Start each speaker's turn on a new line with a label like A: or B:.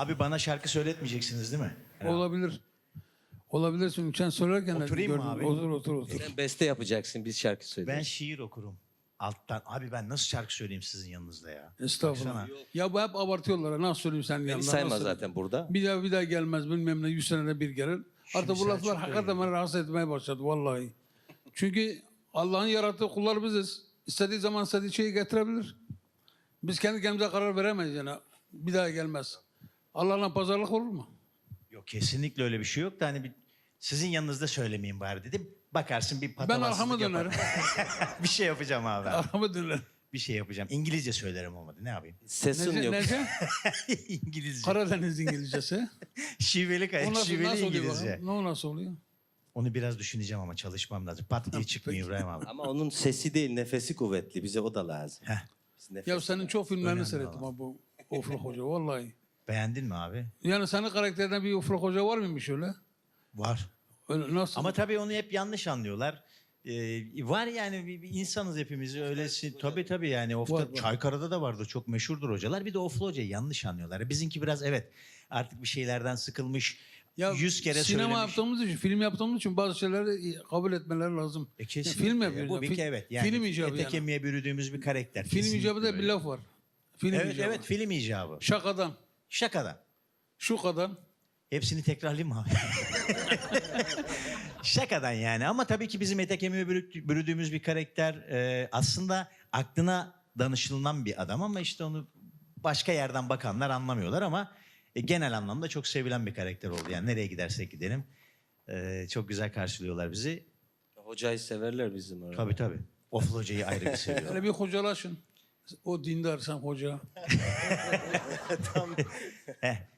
A: Abi bana şarkı söyletmeyeceksiniz değil mi?
B: Olabilir. Olabilir çünkü sen söylerken de
A: Oturayım mı
B: gördüm.
A: abi?
B: Otur.
C: Sen beste yapacaksın, biz şarkı
A: Ben
C: söyleyeceğiz.
A: şiir okurum. Alttan. Abi ben nasıl şarkı söyleyeyim sizin yanınızda ya?
B: Estağfurullah.
A: Baksana.
B: Ya bu hep abartıyorlar. Nasıl söyleyeyim sen
C: Beni
B: yanında?
C: sayma
B: nasıl
C: zaten burada.
B: Bir daha gelmez bilmem ne 100 senede bir gelir. Artık bu
A: Selçuk
B: laflar
A: da
B: hakikaten
A: iyi.
B: beni rahatsız etmeye başladı vallahi. Çünkü Allah'ın yarattığı kullar biziz. İstediği zaman istediği şeyi getirebilir. Biz kendi kendimize karar veremeyiz yani. Bir daha gelmez. Allah'la pazarlık olur mu?
A: Yok kesinlikle öyle bir şey yok da hani sizin yanınızda söylemeyeyim bari dedim. Bakarsın bir
B: Ben
A: patavatsızlık
B: arkamı
A: yaparım.
B: dönerim.
A: Bir şey yapacağım abi.
B: Arkamı dönerim.
A: Bir şey yapacağım. İngilizce söylerim olmadı. Ne yapayım?
C: Sesin yok.
B: Nece?
A: İngilizce.
B: Karadeniz İngilizcesi.
A: Şiveli
B: O
A: kayık,
B: nasıl
A: şiveli
B: oluyor
A: İngilizce.
B: bakalım? Ne o nasıl oluyor?
A: Onu biraz düşüneceğim ama çalışmam lazım. Pat diye çıkmıyor İbrahim abi.
C: Ama onun sesi değil, nefesi kuvvetli. Bize o da lazım.
A: Heh.
C: Biz nefes-
B: Ya senin çok filmlerini
A: Önemli
B: seyrettim
A: ama.
B: ha bu Ofluk Hoca vallahi.
A: Beğendin mi abi?
B: Yani senin karakterden bir Ofluk Hoca var mıymış öyle?
A: Var.
B: Öyle nasıl?
A: Ama tabii onu hep yanlış anlıyorlar. Var yani bir insanız hepimiz öylesi. Tabii yani Of'ta
B: Var.
A: Çaykara'da da vardı çok meşhurdur hocalar. Bir de Oflu hocayı yanlış anlıyorlar. Bizimki biraz evet artık bir şeylerden sıkılmış. 100 kere
B: sinema
A: söylemiş.
B: yaptığımız için, film yaptığımız için bazı şeyleri kabul etmeleri lazım.
A: Kesinlikle.
B: film yapıyoruz.
A: Bu bir
B: Film-
A: evet. Yani
B: film icabı
A: ete
B: yani.
A: kemiğe bürüdüğümüz bir karakter.
B: Film
A: Kesinlikle
B: icabı da bir
A: öyle.
B: laf var. Film
A: Evet
B: icabı.
A: evet film icabı.
B: Şakadan,
A: Şakadan.
B: şu kadar.
A: Hepsini tekrarlayayım mı abi? Şakadan yani ama tabii ki bizim ete kemiğe bürüdüğümüz bir karakter aslında aklına danışılan bir adam ama işte onu başka yerden bakanlar anlamıyorlar ama genel anlamda çok sevilen bir karakter oldu. Yani nereye gidersek gidelim çok güzel karşılıyorlar bizi.
C: Hocayı severler bizim orada.
A: Tabii. Oflu hocayı ayrı bir seviyorlar.
B: Hele bir hocalaşın. O dindar sen hoca.
A: Heh.